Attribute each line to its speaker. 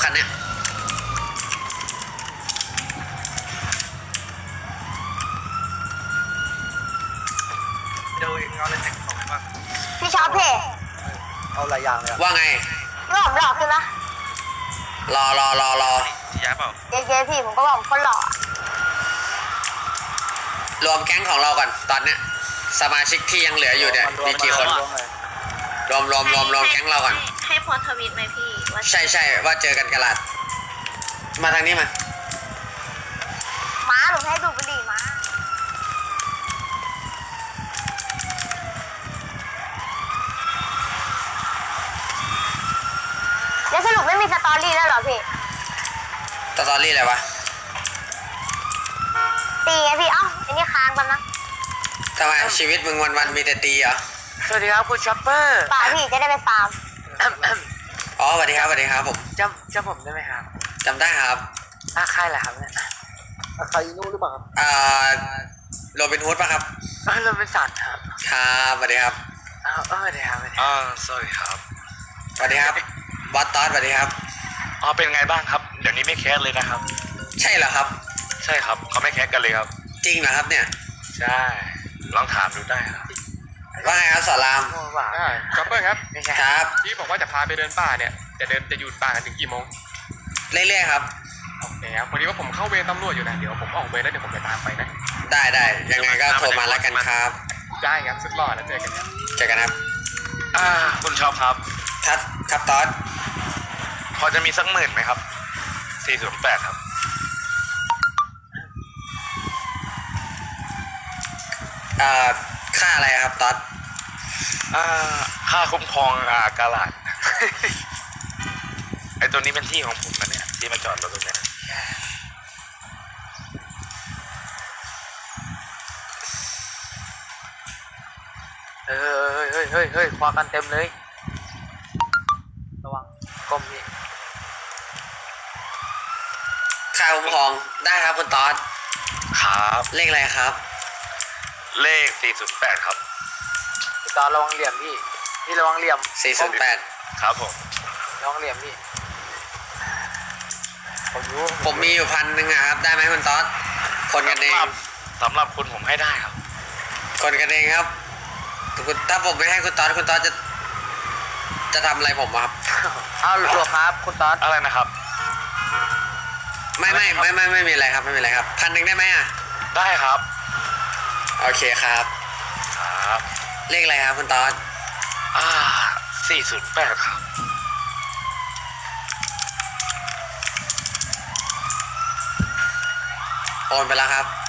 Speaker 1: คันเนี้ย
Speaker 2: ดูเอาอะไรแต่งของบ้าง
Speaker 3: พี่ชอบเพจ
Speaker 2: เอาหลายอย่างเลย
Speaker 1: ว่าไง
Speaker 3: ไม่ผมหล่อขึ้นนะ
Speaker 1: รอ
Speaker 2: ที่ย้ายเปล่า
Speaker 3: เจ๊พี่ผมก็บอกผมคนหล่อ
Speaker 1: รวมแก๊งของเราก่อนตอนเนี้ยสมาชิกที่ยังเหลืออยู่เนี่ยมีกี่คนรวมแก๊งเราก่อน
Speaker 4: ให้โพสต์ทวิตไหมพี่ว่า
Speaker 1: ใช่ว่าเจอกันกะลาดมาทางนี้มา
Speaker 3: ม้าผมให้ดูบุหรี่ม้าแล้วสรุปไม่มีสตอรี่แล้วเหรอพี่
Speaker 1: สตอรี่อะไรวะ
Speaker 3: ตีไงพี่เอ้าไอ้นี่ค้างกันนะ
Speaker 1: ทำไมชีวิตมึงวันมีแต่ตีเหรอ
Speaker 2: สวัสดีครับคุณช็อปเปอร์
Speaker 3: ป่าพี่จะได้ไปฟาร์ม
Speaker 1: อ๋อสวัสดีครับผม
Speaker 2: จำผมได้ไหมครับ
Speaker 1: จำได้ครับ
Speaker 2: ใครแหละครับเนี่ยใครนู่นหรือเปล่าครับ
Speaker 1: โรบินฮูดป่ะครับ
Speaker 2: เราเป็นสัตว์ครับ
Speaker 1: ครับสวัสดีครับ
Speaker 2: สวัสดีครับสวัสดีครับ
Speaker 1: สวัสดีครับบอสตอสสวัสดีครับ
Speaker 5: เป็นไงบ้างครับเดี๋ยวนี้ไม่แคสเลยนะครับ
Speaker 1: ใช่เหรอครับ
Speaker 5: ใช่ครับเขาไม่แคสกันเลยครับ
Speaker 1: จริงเหรอครับเนี่ย
Speaker 5: ใช่ลองถามดูได้ครับ
Speaker 1: ว่าไงครับสอนราม
Speaker 6: ช็อปเปอร์ครับ
Speaker 1: ครับ
Speaker 6: ที่บอกว่าจะพาไปเดินป่าเนี่ยจะอยู่ป่ากันถึงกี่โมง
Speaker 1: เรื่อยๆครับ
Speaker 6: โอเคครับพอดีว่าผมเข้าเวรตำรวจอยู่นะเดี๋ยวผมออกเวรแล้วเดี๋ยวผมจะตามไปนะ
Speaker 1: ได้ยังไงก็โทรมาแล้วกันครับ
Speaker 6: ได้ครับสุดหล่อแล้วเจอกันครับ
Speaker 1: เจอกันครับ
Speaker 5: คุณชอบครับ
Speaker 1: ครับตอส
Speaker 5: พอจะมีสัก10,000ไหมครับ408ครับ
Speaker 1: ค่าอะไรครับตอส
Speaker 5: ค่าคุ้มครองกาลาด ไอตัวนี้เป็นที่ของผมนะเนี่ยที่มาจอดรถตรงเนี้ย
Speaker 2: เฮ้ยคว้ากันเต็มเลยระวังก้มนี่
Speaker 1: ค่าคุ้มครองได้ครับคุณตอส
Speaker 5: ครับ
Speaker 1: เลขอะไรครับ
Speaker 5: เลข408ครับ
Speaker 2: ตอนระวังเหลี่ยมพี่ระวังเหลี่ยม
Speaker 1: 408
Speaker 5: ครับผม
Speaker 2: ระวังเหลี่ยมพี่ผมรู้
Speaker 1: ผมมีอยู่1,000อะครับได้ไหมคุณตอสคนกันเอง
Speaker 5: สำหรับคุณผมให้ได้ครับ
Speaker 1: คนกันเองครับถ้าผมไม่ให้คุณตอสจะทำอะไรผมครับ
Speaker 2: เอาหลวงครับคุณตอน
Speaker 5: อะไรนะครับ
Speaker 1: ไม่มีอะไรครับไม่มีอะไรครับ1,000ได้ไหมอ่ะ
Speaker 5: ได้ครับ
Speaker 1: โอเคครับ
Speaker 5: ครับ
Speaker 1: เลขอะไรครับคุณตอส
Speaker 5: 408ครับ
Speaker 1: โอนไปแล้วครับ